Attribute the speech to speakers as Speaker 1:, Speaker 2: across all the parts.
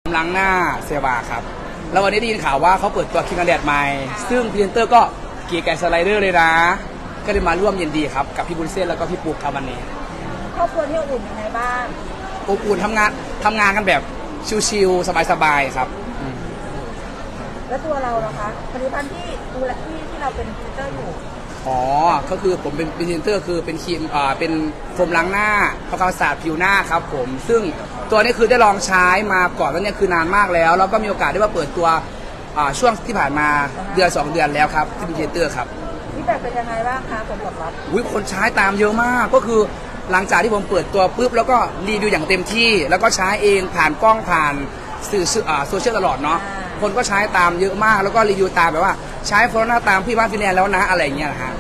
Speaker 1: ล้างหน้าเซวาครับแล้ววันนี้ได้ยินข่าวว่าเขาเปิดตัวครีมกันแดดใหม่ซึ่งพรีเซนเตอร์ก็เกียร์แกสไลเดอร์เลยนะก็เลยมาร่วมยินดีครับกับพี่บุญเส้นแล้วก็พี่ปุ๊กครับวันนี้
Speaker 2: ครอบครัวที่อบอุ่นยังไงบ้าง
Speaker 1: อบอุ่นทำงานกันแบบชิลๆสบายๆครับ
Speaker 2: แล้วตัวเราล่ะคะผลิตภัณฑ์ที่ดูแลที่เราเป็นพรีเซนเตอร์อยู่
Speaker 1: อ๋อก็คือผมเป็นพรีเซนเตอร์คือเป็นครีมเป็นโฟมล้างหน้าทำความสะอาดผิวหน้าครับผมซึ่งตัวนี้คือได้ลองใช้มาก่อนแล้วเนี่ยคือนานมากแล้วแล้วก็มีโอกาสได้มาเปิดตัวช่วงที่ผ่านมาเดือน2 เดือนแล้วครับที่เป็นพรีเซนเตอร์ครับ
Speaker 2: ที่แบบเป็นยังไงบ้างคะผลตอบรับ
Speaker 1: คนใช้ตามเยอะมากก็คือหลังจากที่ผมเปิดตัวปุ๊บแล้วก็รีวิวอย่างเต็มที่แล้วก็ใช้เองผ่านกล้องผ่านสื่อโซเชียลตลอดเนาะคนก็ใช้ตามเยอะมากแล้วก็รีวิวตามแบบว่าใช้โฟลหน้าตามพี่บ้านฟินแลนด์แล้วนะอะไรอย่างเงี้ยนะฮะ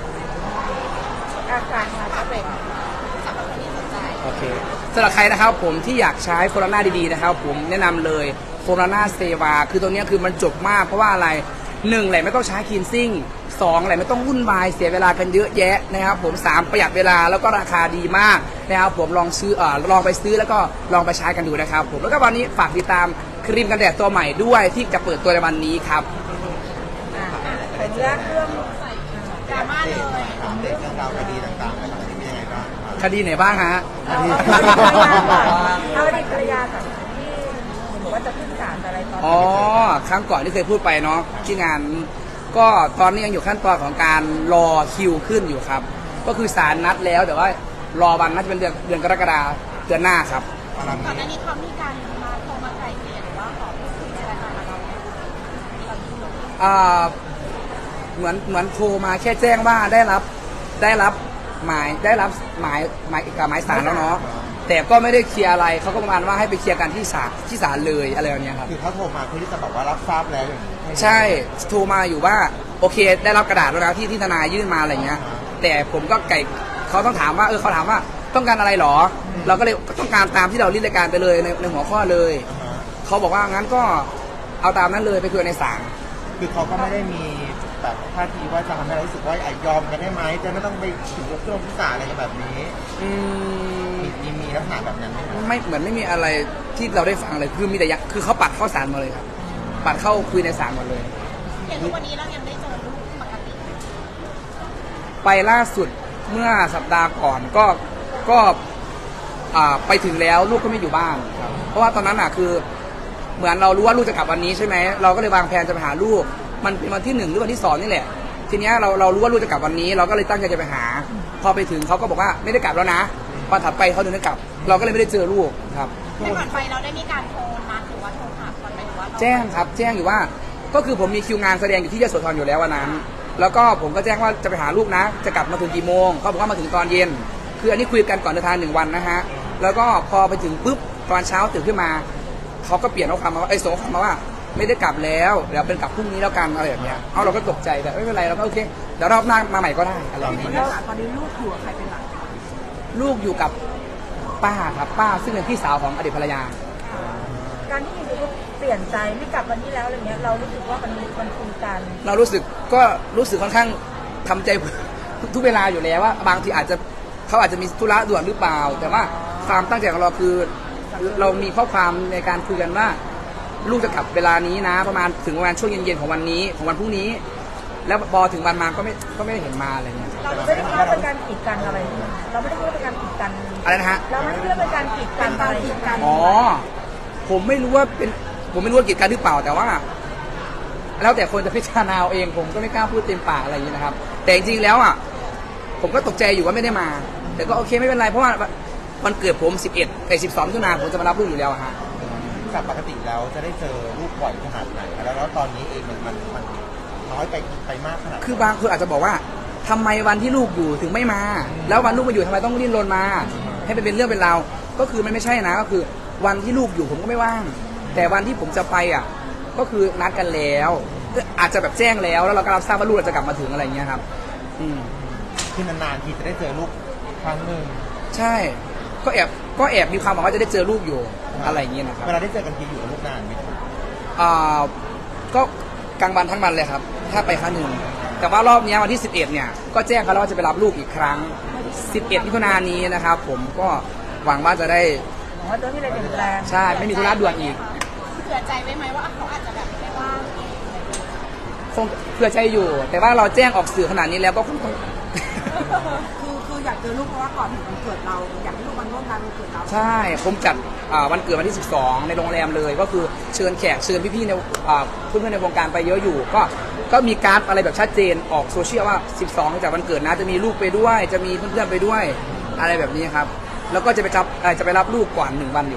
Speaker 2: อาการมาจะเป็น
Speaker 1: สำหรับคนที่สนใจโอเคสำหรับใครนะครับผมที่อยากใช้โฟลหน้าดีๆนะครับผมแนะนำเลยโฟลหน้าเซวาคือตัวนี้คือมันจบมากเพราะว่าอะไร1แหละไม่ต้องใช้คลีนซิ่ง2แหละไม่ต้องวุ่นวายเสียเวลากันเยอะแยะนะครับผม3ประหยัดเวลาแล้วก็ราคาดีมากนะครับผมลองไปซื้อแล้วก็ลองไปใช้กันดูนะครับผมแล้วก็วันนี้ฝากติดตามครีมกันแดดตัวใหม่ด้วยที่จะเปิดตัวในวันนี้ครับ
Speaker 2: เป็นเรื่องดราม่าเลย
Speaker 3: เรื่องราวคดีต่างๆอะไรเป็นยังไงบ้าง
Speaker 1: คดีไหนบ้างฮะ
Speaker 2: เอาอดีตภรรยากับที่บอกว่าจะขึ้นศาลอะไรตอน
Speaker 1: ครั้งก่อนที่เคยพูดไปเนาะที่งานก็ตอนนี้ยังอยู่ขั้นตอนของการรอคิวขึ้นอยู่ครับก็คือศาลนัดแล้วแต่ว่ารอวันน่าจะเป็นเดือนกรกฎาคมเดือนหน้าครับ
Speaker 2: ก่อนหน้านี้เขามีการมาโทรมาไกลเกลี่ยหรือว่าขอพูดคุยอะไรกันกับเรา
Speaker 1: เหมือนโทรมาแค่แจ้งว่าได้รับหมายศาลแล้วเนาะแต่ก็ไม่ได้เคลียร์อะไรเขาก็ประมาณว่าให้ไปเคลียร์กันที่ศาลเลยอะไรแบบนี้ครับ
Speaker 3: คือเขาโทรมาเพื่อที่จะบอกว่ารับทราบแล้วอย่างนี้
Speaker 1: ใช่โทรมาอยู่ว่าโอเคได้รับกระดาษแล้วนะที่ทนายยื่นมาอะไรเงี้ยแต่ผมก็เขาต้องถามว่าเขาถามว่าต้องการอะไรหรอเราก็เลยต้องการตามที่เรายื่นรายการไปเลยในหัวข้อเลยเขาบอกว่างั้นก็เอาตามนั้นเลยไปคุยในศาล
Speaker 3: คือเขาก็ไม่ได้มีแบบท่าทีว่าจะทำให้เรารู้สึกว่ายอมกันได้ไหมจะไม่ต้องไปถึงยกโทษพิสาอะไรกันแบบนี้มีลักษณะแบบนั้นไหม
Speaker 1: ไม่เหมือนไม่มีอะไรที่เราได้ฟังเลยคือมีแต่คือเขาปัดเข้าศาลมาเลยครับปัดเข้าคุยในศาลหมดเลย
Speaker 2: เห็นทุกวันนี้เรายังได้เจอลูกปกติ
Speaker 1: ไปล่าสุดเมื่อสัปดาห์ก่อนก็ไปถึงแล้วลูกก็ไม่อยู่บ้านเพราะว่าตอนนั้นคือเหมือนเรารู้ว่าลูกจะกลับวันนี้ใช่ไหมเราก็เลยวางแผนจะไปหาลูกมันเป็นวันที่1หรือวันที่2นี่แหละทีนี้เรารู้ว่าลูกจะกลับวันนี้เราก็เลยตั้งใจจะไปหาพอไปถึงเขาก็บอกว่าไม่ได้กลับแล้วนะวันถัดไปเขาถึงได้กลับเราก็เลยไม่ได้เจอลูกครับ
Speaker 2: แต่ก่อนไปเราได้มีการโทรมาหรือว่าโทรหาก่อนไหมหรือว่า
Speaker 1: แจ้งครับแจ้งอยู่ว่าก็คือผมมีคิวงานแสดงอยู่ที่ยโสธรอยู่แล้ววันนั้นแล้วก็ผมก็แจ้งว่าจะไปหาลูกนะจะกลับมาถึงกี่โมงเขาบอกว่ามาถึงตอนเย็นคืออันนี้คุยกันก่อนเดินทาง1 วันนะฮะแล้วก็พอไปถึงปุ๊บตอนเช้าตื่นขึ้นมาเขาก็เปลี่ยนข้อความมาว่าส่งข้อความมาว่าไม่ได้กลับแล้วเดี๋ยวเป็นกลับพรุ่งนี้แล้วกันอะไรแบบเนี้ยเราก็ตกใจแต่ไม่เป็นไรเราก็โอเคเดี๋ยวรอบหน้ามาใหม่ก็ได้อะไรแบบนี้
Speaker 2: ตอนนี้ลูกอยู่กับใครเป็นหลัก
Speaker 1: ลูกอยู่กับป้าครับป้าซึ่งเป็นพี่สาวของอดีตภรรยา
Speaker 2: การที่ลูกเปลี่ยนใจไม่กลับวันนี้แล้วอะไรเงี้ยเรารู้สึกว่ามันคุยกัน
Speaker 1: เรารู้สึกค่อนข้างทำใจทุกเวลาอยู่แล้วว่าบางทีเขาอาจจะมีธุระด่วนหรือเปล่าแต่ว่าความตั้งใจของเราคือเรามีข้อความในการคุยกันว่าลูกจะกลับเวลานี้นะประมาณถึงประมาณช่วงเย็นๆของวันนี้ของวันพรุ่งนี้แล้วพอถึงวันมาก็ไม่ได้เห็นมาอะไรเงี้ย
Speaker 2: เราไม่ได้คิดว่าเป็นการกีดกันอะไรเราไม่ได้คิดว่าเป็นการกีดกัน
Speaker 1: อะไรนะฮะ
Speaker 2: เราไม่ได้คิดว่าเป็นการกีดกัน
Speaker 1: ผมไม่รู้ว่ากีดกันหรือเปล่าแต่ว่าแล้วแต่คนจะพิจารณาเองผมก็ไม่กล้าพูดเต็มปากอะไรอย่างนี้นะครับแต่จริงๆแล้วผมก็ตกใจอยู่ว่าไม่ได้มาแต่ก็โอเคไม่เป็นไรเพราะว่าวันเกิดผม12 มิถุนายนผมจะมารับลูกอยู่แล้วฮะ
Speaker 3: จากปกติแล้วจะได้เจอลูกบ่อยขนาดไหนแล้วตอนนี้เองมันน้อยไปมากขนาด
Speaker 1: คือบางคนอาจจะบอกว่าทำไมวันที่ลูกอยู่ถึงไม่มาแล้ววันลูกมาอยู่ทำไมต้องรีบลนมาให้เป็นเรื่องเป็นราวก็คือมันไม่ใช่นะก็คือวันที่ลูกอยู่ผมก็ไม่ว่างแต่วันที่ผมจะไปก็คือนัดกันแล้วอาจจะแบบแจ้งแล้วเราก็รับทราบว่าลูกจะกลับมาถึงอะไรอย่างเงี้ยครับ
Speaker 3: คือนานๆทีจะได้เจอลูกครั้งหนึ่ง
Speaker 1: ใช่ก็แอบมีความหวังว่าจะได้เจอลูกอยู่อะไรอย่างเงี้ยนะครับ
Speaker 3: เวลาได้เจอกันทีอยู่กับลูกนานไหม
Speaker 1: ก็กลางวันทั้งวันเลยครับถ้าไปครั้งหนึ่งแต่ว่ารอบนี้วันที่11เนี่ยก็แจ้งเขาแล้วว่าจะไปรับลูกอีกครั้ง11 มิถุนายนนี้นะครับผมก็หวังว่าจะได้
Speaker 2: ว่าจะมีอะไรเปลี่ยนแปลง
Speaker 1: ใช่ไม่มีธุระด่วนอีก
Speaker 4: ผื่อใจไว้ไหมว่าเขาอาจจะแบบไม่ว่าง
Speaker 1: คงเผื่อใจอยู่ แต่ว่าเราแจ้งออกสื่อขนาดนี้แล้วก็คงต้อง
Speaker 2: คืออยากเจอลูกเพราะว่าก่อนถึงวันเกิดเราอยากให้ลูกมาร่วมงานวันเกิดเรา
Speaker 1: ใช่ผมจัดวันเกิดวันที่ 12 ในโรงแรมเลยก็คือเชิญแขกเชิญพี่ๆในเพื่อนๆในวงการไปเยอะอยู่ก็มีการ์ดอะไรแบบชัดเจนออกโซเชียลว่า 12 จากวันเกิดนะจะมีลูกไปด้วย จะมีเพื่อนๆไปด้วยอะไรแบบนี้ครับแล้วก็จะไปรับลูกก่อน1 วันอยู่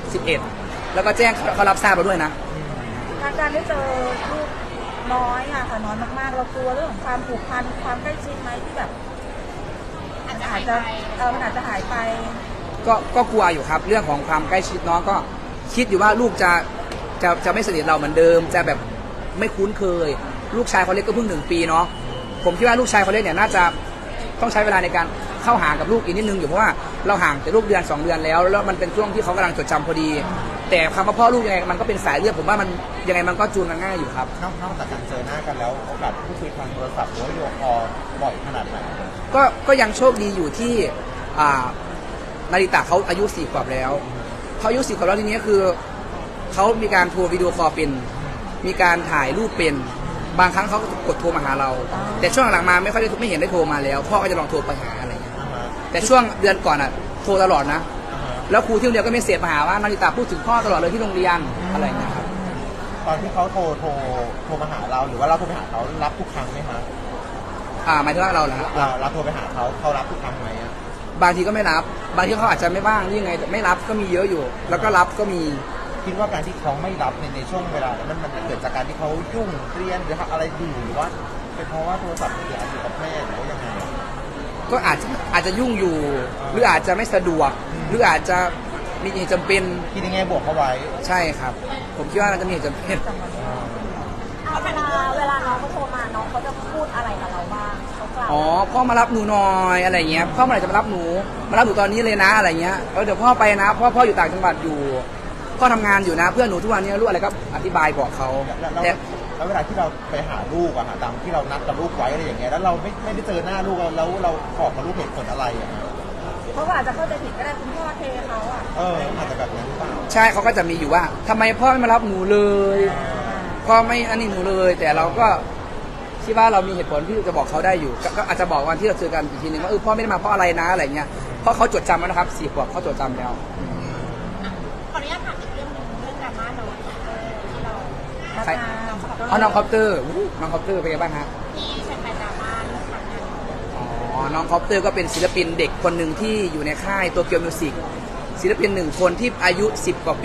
Speaker 1: 11 แล้วก็แจ้งเขารับทราบมาด้วยนะ
Speaker 2: การได้เจอลูกน้อยอะค่ะน้อยมากๆเรากลัวเรื่องของความผูกพันความใกล้ชิดไหมที่แบบ
Speaker 4: อาจจะ
Speaker 2: อา
Speaker 4: หา
Speaker 2: จ
Speaker 4: ย
Speaker 2: จะ
Speaker 4: ไป
Speaker 2: มันอาจจะหายไป
Speaker 1: ก็กลัวอยู่ครับเรื่องของความใกล้ชิดน้องก็คิดอยู่ว่าลูกจะไม่สนิทเราเหมือนเดิม จะแบบไม่คุ้นเคย ลูกชายเขาเล็กก็เพิ่ง1 ปีเนาะผมคิดว่าลูกชายเขาเล็กเนี่ยน่าจะต้องใช้เวลาในการเข้าหากับลูกอีกนิดนึงอยู่เพราะว่าเราห่างแต่ลูกเดือน2 เดือนแล้วมันเป็นช่วงที่เขากำลังจดจำพอดี แต่คำว่าพ่อลูกยังไงมันก็เป็นสายเลือดผมว่ามันยังไงมันก็จูนกันง่ายอยู่ครับ
Speaker 3: นอกจากการเจอหน้ากันแล้วโอกาสพูดคุยทางโทรศัพท์หรือว่าวิดีโอคอลบ่อยขนาดไหน
Speaker 1: ก็ยังโชคดีอยู่ที่นาริตะเขาอายุ4 ขวบแล้วเขาอายุ4 ขวบแล้วทีนี้คือเขามีการโทรวิดีโอคอลเป็นมีการถ่ายรูปเป็นบางครั้งเขาก็กดโทรมาหาเรา แต่ช่วงหลังมาไม่ค่อยได้ไม่เห็นได้โทรมาแล้วพ่อก็จะลองโทรไปหาอะไรอย่างเงี้ยแต่ช่วงเดือนก่อนอ่ะโทรตลอดนะแล้วครูที่โรงเรียนก็ไม่เสียมาหาว่านาริตะพูดถึงพ่อตลอดเลยที่โรงเรียนอะไรอย่างเงี้ยครับ
Speaker 3: ตอนที่เขาโทรมาหาเราหรือว่าเราโทรไปหาเขารับทุกครั้งไหมคะ
Speaker 1: หมายถึงว่าเราเหรอฮะ
Speaker 3: เราโทรไปหาเขารับทุกครั้งไหมอะ
Speaker 1: บางทีก็ไม่รับบางทีเขาอาจจะไม่ว่างหรือยังไงแต่ไม่รับก็มีเยอะอยู่ แล้วก็รับก็มี
Speaker 3: คิดว่าการที่เขาไม่รับในช่วงเวลานั้นมันเกิดจากการที่เขายุ่งเรียนหรือทำอะไรอยู่หรือว่าเป็นเพราะว่าโทรศัพท์มือถืออาจจะอยู่กับแม่หรือว่ายังไง
Speaker 1: ก็อาจจะยุ่งอยู่ หรืออาจจะไม่สะดวก หรืออาจจะมีเหตุจำเป็น
Speaker 3: คิดในแง่บวกเขาไว้
Speaker 1: ใช่ครับ ผมคิดว่าน่าจะมีเหตุจำเป็น
Speaker 2: เวลาน้องเขาโทรมาน้องเขาจะพูดอะไรกับเราบ้างเขากล่าว
Speaker 1: อ๋อพ่อมารับหนูหน่อยอะไรเงี้ยพ่อเมื่อไหร่จะมารับหนูตอนนี้เลยนะอะไรเงี้ยเดี๋ยวพ่อไปนะพ่ออยู่ต่างจังหวัดอยู่พ่อทำงานอยู่นะเพื่อนหนูทุกวันนี้รู้อะไรก็อธิบายบอกเขาแต่
Speaker 3: แล้วเวลาที่เราไปหาลูกอะค่ะตามที่เรานัดกับลูกไว้อะไรอย่างเงี้ยแล้วเราไม่ได้เจอหน้าลูกแล้วเราขอกับลูกเหตุผลอะไรอะ
Speaker 2: เพราะว่าอาจจะเข้าใจผิดก็ได้คุณพ่อเทเขาอะ
Speaker 3: อาจจะแบบนั้นหรือเปล่า
Speaker 1: ใช่เขาก็จะมีอยู่ว่าทำไมพ่อไม่มารับหนูเลยพ่อไม่อันนี้หนูเลย แต่เราก็คิดว่าเรามีเหตุผลที่จะบอกเขาได้อยู่ก็อาจจะบอกวันที่เราเจอกันอีกทีนึงว่าพ่อไม่ได้มาเพราะอะไรนะอะไรเงี้ยเพราะเขาจดจำแล้วนะครับ4 ขวบเขาจดจำแล้ว
Speaker 4: ขออนุญาตถามอีกเรื่องหนึงเรื่องดราม่าน้องที่เรา
Speaker 1: ใครน้องคอปเตอร์น้องคอปเตอร์เป็นไงบ้างฮะ
Speaker 4: ที่เป็นดราม่าเรื่องการงาน
Speaker 1: อ๋อน้องคอปเตอร์ก็เป็นศิลปินเด็กคนหนึ่งที่อยู่ในค่ายโตเกียวมิวสิกศิลปิน1 คนที่อายุ10 กว่าปี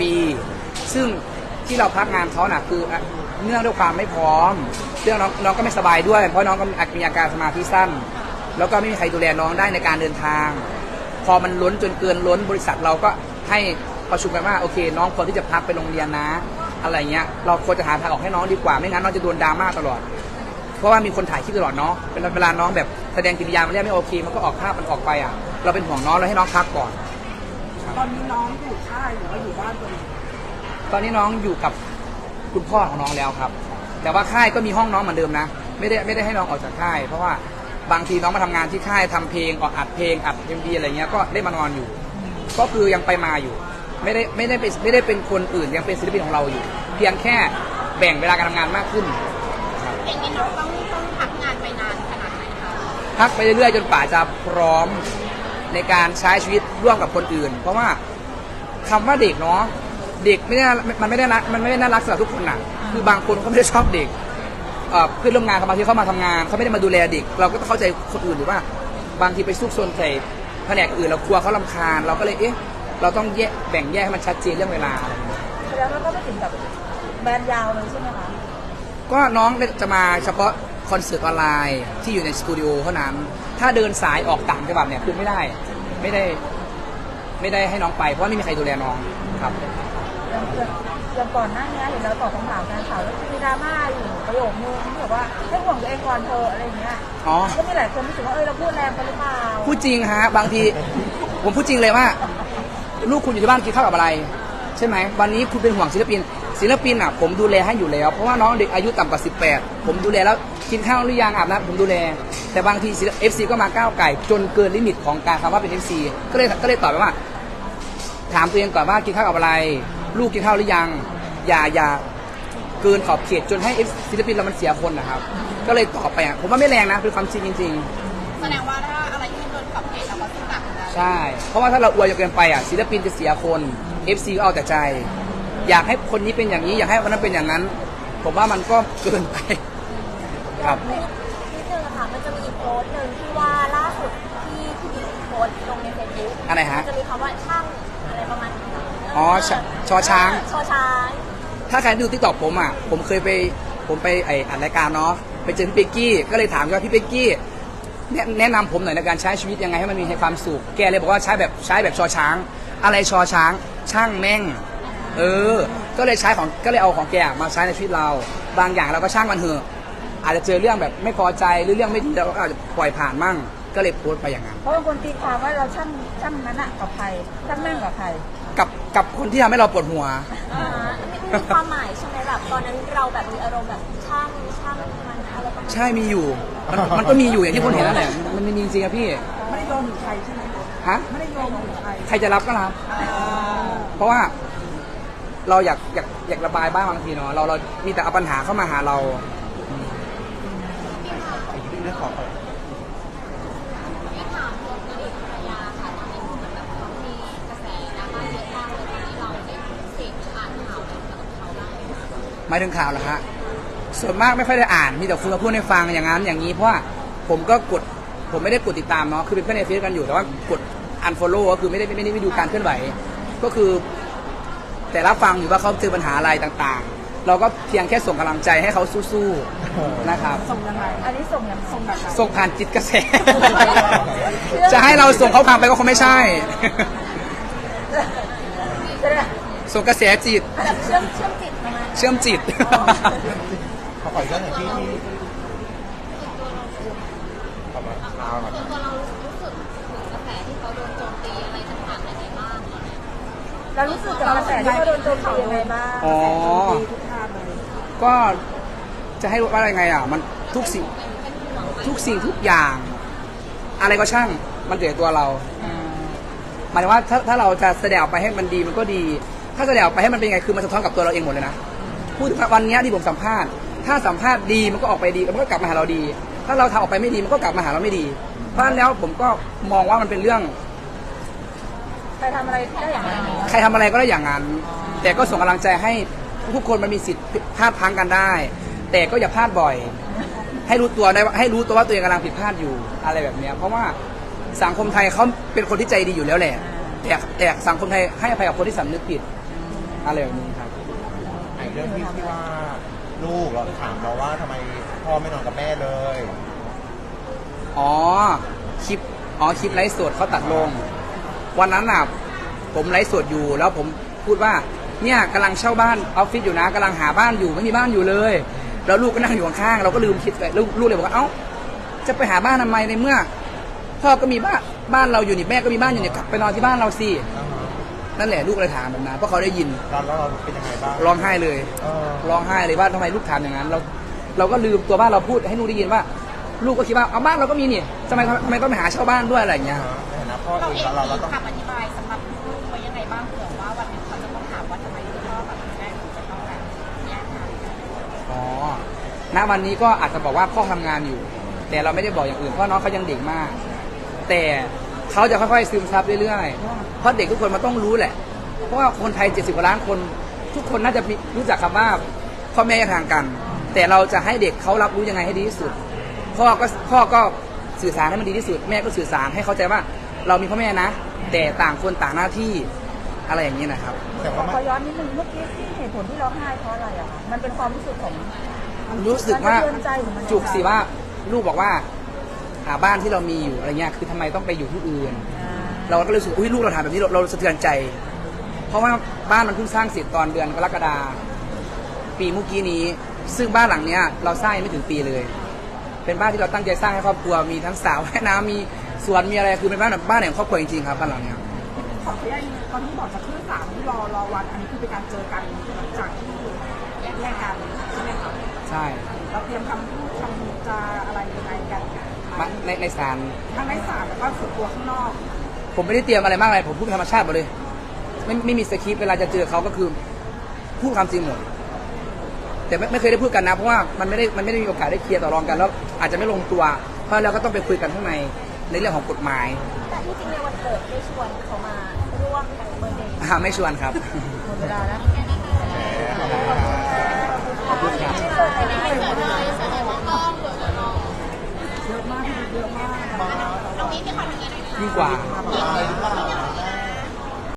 Speaker 1: ซึ่งที่เราพักงานเขาน่ะคือเนื่องด้วยความไม่พร้อมเรื่องน้องก็ไม่สบายด้วยเพราะน้องก็มีอาการสมาธิสั้น แล้วก็ไม่มีใครดูแลน้องได้ในการเดินทาง พอมันล้นจนเกินล้นบริษัทเราก็ให้ประชุมกันว่าโอเค น้องควรที่จะพักไปโรงเรียนนะ อะไรเงี้ยเราควรจะหาทางออกให้น้องดีกว่าไม่งั้นน้องจะโดนดราม่าตลอด เพราะว่ามีคนถ่ายคลิปตลอดเนาะเวลาน้องแบบแสดงกิริยามันเรียกไม่โอเคมันก็ออกภาพมันออกไปอ่ะเราเป็นห่วงน้องเราให้น้องพักก่อน
Speaker 2: ตอนนี้น้องอยู่ค่ายหรือว่าอยู่บ้านตัวเอง
Speaker 1: ตอนนี้น้องอยู่กับคุณพ่อของน้องแล้วครับ แต่ว่าค่ายก็มีห้องน้องเหมือนเดิมนะไม่ได้ให้น้องออกจากค่าย เพราะว่าบางทีน้องมาทำงานที่ค่ายทำเพลงออกอัดเพลงอัดMVอะไรเงี้ยก็ได้มานอนอยู่ ก็คือยังไปมาอยู่ไม่ได้เป็นคนอื่นยังเป็นศิลปินของเราอยู่ เพียงแค่แบ่งเวลาการทำงานมากขึ้น
Speaker 4: อย่างนี้น้องต้องพักงานไปนานขนาดไหนคะ
Speaker 1: พักไปเรื่อยๆจนป่าจะพร้อมในการใช้ชีวิตร่วมกับคนอื่น เพราะว่าคำว่าเด็กเนาะเด็กมันไม่ได้น่ารักสำหรับทุกคนน่ะคือบางคนเขาไม่ได้ชอบเด็กเพื่อนร่วมงานบางทีเขามาทำงานเขาไม่ได้มาดูแลเด็ก เราก็ต้องเข้าใจคนอื่นหรือว่าบางทีไปซุกซนใส่แผนกอื่นเรากลัวเขารำคาญเราก็เลยเราต้องแบ่งแยกให้มันชัดเจนเรื่องเวลา
Speaker 2: แสดงว่าก็ไม่ถึงแบบแบนยาวเลยใช่ไหมคะ
Speaker 1: ก็น้องจะมาเฉพาะคอนเสิร์ตออนไลน์ที่อยู่ในสตูดิโอเท่านั้นถ้าเดินสายออกต่างจังหวัดเนี่ยคือไม่ได้ให้น้องไปเพราะว่าไม่มีใครดูแลน้องครับ
Speaker 2: อย่างก่อนหน้านี้เห็นเราตอบคำถามการข่าวแล้วมีดราม่าอยู่ประโยคนึงที่แบบว่าให้ห่วงตัวเองก่อนเธออะไรอย่างเงี้ย
Speaker 1: อ๋อ
Speaker 2: ก็มีหลายคนรู้สึกว่าเราพูดแรงไปหรือเปล่า
Speaker 1: พูดจริงฮะบางทีผมพูดจริงเลยว่า ลูกคุณอยู่ที่บ้านกินข้าวกับอะไร ใช่ไหมวันนี้คุณเป็นห่วงศิลปินอ่ะผมดูแลให้อยู่แล้วเพราะว่าน้องเด็กอายุต่ำกว่า18ผมดูแลแล้วกินข้าวหรือยังอาบน้ำผมดูแลแต่บางที FC ก็มาก้าวไก่จนเกินลิมิตของการคำว่าเป็น FC ก็เลยตอบไปว่า ถามตัวเองก่อนว่ากินข้าวกับอะไร ลูกกินข้าวหรือยังอย่าเกินขอบเขตจนให้ศิลปินเรามันเสียคนนะครับก็เลยตอบไปอ่ะผมว่าไม่แรงนะเป็นความจริงจริงๆ
Speaker 4: แสดงว่าถ้าอะไรที่โดนขอบเขตเราก็ต้องตัดนะ
Speaker 1: ใช่ เพราะว่าถ้าเราอวยจนเกินไปอ่ะศิลปินจะเสียคน FC ก็เอาแต่ใจ อยากให้คนนี้เป็นอย่างนี้อยากให้คนนั้นเป็นอย่างนั้น ผมว่ามันก็เกินไปครับ
Speaker 5: นิดนึงนะคะมันจะมีอีกโพสต์หนึ่งที่ว่าล่าสุดที่บิ๊กโพสต์ลงในเฟซบุ๊ก
Speaker 1: อะไรฮะ
Speaker 5: จะมีคำว่าช่างอะไรประมาณนี้
Speaker 1: อ๋อชอช้าง
Speaker 5: ชอช้าง
Speaker 1: ถ้าใครดูติ๊กต็อกผมอ่ะผมเคยไปอัดรายการเนาะไปเจอพี่เป๊กกี้ก็เลยถามว่าพี่เป๊กกี้แนะนำผมหน่อยในการใช้ชีวิตยังไงให้มันมีความสุขแกเลยบอกว่าใช้แบบชอช้าง อะไรชอช้างช่างแม่งก็เลยเอาของแกมาใช้ในชีวิตเราบางอย่างเราก็ช่างมันเถอะอาจจะเจอเรื่องแบบไม่พอใจหรือเรื่องไม่ดีเราก็อาจจะปล่อยผ่านมั่งก็เลยโพสต์ไปอย่างนั้น
Speaker 2: เพราะบางคนตีความว่าเราช่างนั้นอะกับใครช่างแม่งกับใคร
Speaker 1: กับคนที่ทำให้เราปวดหัว
Speaker 5: มีความหมายใช่ไหมแบบตอนนั้นเราแบบมีอารมณ์แบบช่างมันอะไรประมาณนี้
Speaker 1: ใช่มีอยู่มันก็มีอยู่อย่างที่คนเห็นนั่นแหละมันมีจริงๆอะพี่
Speaker 2: ไม่ได้โยนถึงใครใช่ไหม
Speaker 1: ฮะ
Speaker 2: ไม่ได้โยนถึงใคร
Speaker 1: ใครจะรับก็รับเพราะว่าเราอยากระบายบ้างบางทีเนาะเรามีแต่เอาปัญหาเข้ามาหาเรา
Speaker 3: ไอ้เรื่องของ
Speaker 5: ที่ถามตัวอดีตภรรยาค่ะตอนนี้เหมือนแบบเขามีกระแสดราม่าเยอะมากเลยตอนนี้เราได้เสพอ่านข่าวอะไรกับเขาบ้างไหมคะ
Speaker 1: หมายถึงข่าวเหรอฮะส่วนมากไม่ค่อยได้อ่านมีแต่คุณมาพูดให้ฟังอย่างนั้นอย่างนี้เพราะว่าผมไม่ได้กดติดตามเนาะคือเป็นเพื่อนในเฟซกันอยู่แต่ว่ากด unfollow ก็คือไม่ได้ดูการเคลื่อนไหวก็คือแต่รับฟังอยู่ว่าเขาเจอปัญหาอะไรต่างๆ เราก็เพียงแค่ส่งกำลังใจให้เขาสู้ๆนะครับ
Speaker 2: ส่งยังไงอันนี้ส่งยังส่งแบบไหน
Speaker 1: ส่งผ่านจิตกระแส จะให้เราส่งเขาพังไปก็คงไม่ใช่
Speaker 2: ใช่ไหม
Speaker 1: ส่งกระแสจิต
Speaker 5: แบบเชื่อมจิตประมาณ
Speaker 1: เชื่อมจิต
Speaker 3: เขาขออีกเรื่องหนึ่งที่ประมาณเอาหน่อย
Speaker 5: ส่วนตัวเรารู้สึกถึงกระแสที่เขาโดนโจมตีอะไรต่างๆยังไงบ้าง
Speaker 2: เรารู้สึกกับกระแสที่เขาโดนโจมตียังไงบ้าง
Speaker 1: อ๋อ
Speaker 2: ทุกทางเลย
Speaker 1: ก็จะให้ว่าอะไรไงอ่ะมันทุกสิ่งทุกอย่าง อะไรก็ช่างมันเกิดตัวเราหมายถึงว่าถ้าเราจะแสดงออกไปให้มันดีมันก็ดี ถ้าแสดงออกไปให้มันเป็นยังไงคือมันสะท้อนกับตัวเราเองหมดเลยนะพูดถึงวันนี้ที่ผมสัมภาษณ์ถ้าสัมภาษณ์ดีมันก็ออกไปดีมันก็กลับมาหาเราดี ถ้าเราทำออกไปไม่ดีมันก็กลับมาหาเราไม่ดี เพราะฉะนั้นแล้วผมก็มองว่ามันเป็นเรื่อง
Speaker 2: ใครทำอะไรได้อย่างนั้น
Speaker 1: ใครทำอะไรก็ได้อย่างนั้น แต่ก็ส่งกำลังใจให้ทุกคนมันมีสิทธิ์พลาดพลั้งกันได้ แต่ก็อย่าพลาดบ่อย ให้รู้ตัวว่าตัวเองกำลังผิดพลาดอยู่อะไรแบบเนี้ยเพราะว่าสังคมไทยเขาเป็นคนที่ใจดีอยู่แล้วแหละแต่สังคมไทยให้อภัยกับคนที่สำนึกผิดอะไรแบบนี้ครับ
Speaker 3: ไอ้เรื่องที่ว่าลูกเราถามเราว่าทำไมพ่อไม่นอนกับแม่เลย
Speaker 1: อ๋อคลิปไลฟ์สดเขาตัดลง วันนั้นน่ะผมไลฟ์สดอยู่แล้วผมพูดว่าเนี่ยกำลังเช่าบ้านออฟฟิศอยู่นะกำลังหาบ้านอยู่ไม่มีบ้านอยู่เลย แล้วลูกก็นั่งอยู่ข้างๆเราก็ลืมคิดไปลูกเลยบอกว่าเอ้าจะไปหาบ้านทำไมในเมื่อพ่อก็มีบ้านเราอยู่นี่แม่ก็มีบ้านอยู่นี่กลับไปนอนที่บ้านเราสินั่นแหละลูกเลยถามแบบนั้นเพราะเขาได้ยิน
Speaker 3: ตอนแล้วเราเป็นยังไงบ้าง
Speaker 1: ร้องไห้เลย
Speaker 3: เออ
Speaker 1: ร้องไห้เลยว่าทำไมลูกถามอย่างนั้นเราก็ลืมตัวบ้านเราพูดให้ลูกได้ยินว่า ลูกก็คิดว่าเอาบ้านเราก็มีนี่ทำไมต้องไปหาเช่าบ้านด้วยอะไรอย่างเงี้ย
Speaker 3: ในฐานะพ่อ
Speaker 4: เรา
Speaker 3: เอ
Speaker 4: เอง ง
Speaker 3: เรา
Speaker 4: มี
Speaker 3: ต้อง
Speaker 4: คำอธิบายสำหรับลูกไว้ยังไงบ้างเผื่อว่าวันหนึงเขาจะต้องถามว่าทำไมคุณพ่อกับคุณแม่ถึงจะต้องแบบแยกทางกัน
Speaker 1: อ๋อ ณ วันนี้ก็อาจจะบอกว่าพ่อทำงานอยู่ แต่เราไม่ได้บอกอย่างอื่นเพราะน้องเขายังเด็กมาก แต่เขาจะค่อยๆซึมซับเรื่อยๆ เพราะเด็กทุกคนมันต้องรู้แหละ เพราะว่าคนไทย70 กว่าล้านคน ทุกคนน่าจะรู้จักคำว่าพ่อแม่แยกทางกัน แต่เราจะให้เด็กเขารับรู้ยังไงให้ดีที่สุด พ่อก็สื่อสารให้มันดีที่สุด แม่ก็สื่อสารให้เข้าใจว่าเรามีพ่อแม่นะ แต่ต่างคนต่างหน้าที่อะไรอย่างนี้นะครับ
Speaker 3: แต่ว่า
Speaker 2: ขอย้อนนิดนึงเมื่อกี้ที่เหตุผลที่ร้องไห้เพราะอะไรอะคะมันเป็นความรู้สึกของ
Speaker 1: รู้สึกว่า
Speaker 2: มันสะเทือนใจหรือมันยังไง
Speaker 1: จุกสิว่าลูกบอกว่าหาบ้านที่เรามีอยู่อะไรเงี้ยคือทำไมต้องไปอยู่ที่อื่น เราก็รู้สึกอุ้ยลูกเราถามแบบนี้เราสะเทือนใจ เพราะว่าบ้านมันเพิ่งสร้างเสร็จตอนเดือนกรกฎาปีเมื่อกี้นี้ ซึ่งบ้านหลังเนี้ยเราสร้างยังไม่ถึงปีเลย เป็นบ้านที่เราตั้งใจสร้างให้ครอบครัวมีทั้งสระว่ายน้ำมีสวนมีอะไรคือเป็นบ้านแบบบ้านแห่งครอบครัวจริงๆครับบ้านหลังเนี้ย
Speaker 2: ขออนุญาตตอนที่บอกจะขึ้นศาลที่รอวันอันนี้คือเป็นการเจอกันหลังจากที่แยกกันใช่ไหมคะ
Speaker 1: ใช่
Speaker 2: เราเตรียมคำพูดคำจาอะไรยังไงกัน
Speaker 1: ในศาล
Speaker 2: ทั้งในศาลแล้วก็ส่วนตัวข้างนอก
Speaker 1: ผมไม่ได้เตรียมอะไรมากเลยผมพูดเป็นธรรมชาติหมดเลยไม่มีสคริปต์เวลาจะเจอเขาก็คือพูดความจริงหมดแต่ไม่เคยได้พูดกันนะเพราะว่ามันไม่ได้มีโอกาสได้เคลียร์ต่อรองกันแล้วอาจจะไม่ลงตัวเพราะเราก็ต้องไปคุยกันข้างในเรื่องของกฎหมาย
Speaker 5: แต่ที่จริงในวันเกิดได้ชวนเขามาร่วมเบอร์เดย์
Speaker 1: ไม่ชวนครับ
Speaker 2: หมดเวลาแล้ว
Speaker 1: ขอบคุณครับ
Speaker 5: ไม่เกิดอะไรไม่เกิดเลยแสดงว่ากล้องเกิดแล้ว
Speaker 2: เยอะมากพี่เยอะมาก
Speaker 5: ตรงนี้ที่ขอทำงานหน่อยค่ะ
Speaker 1: ยิ่งกว่า
Speaker 3: มา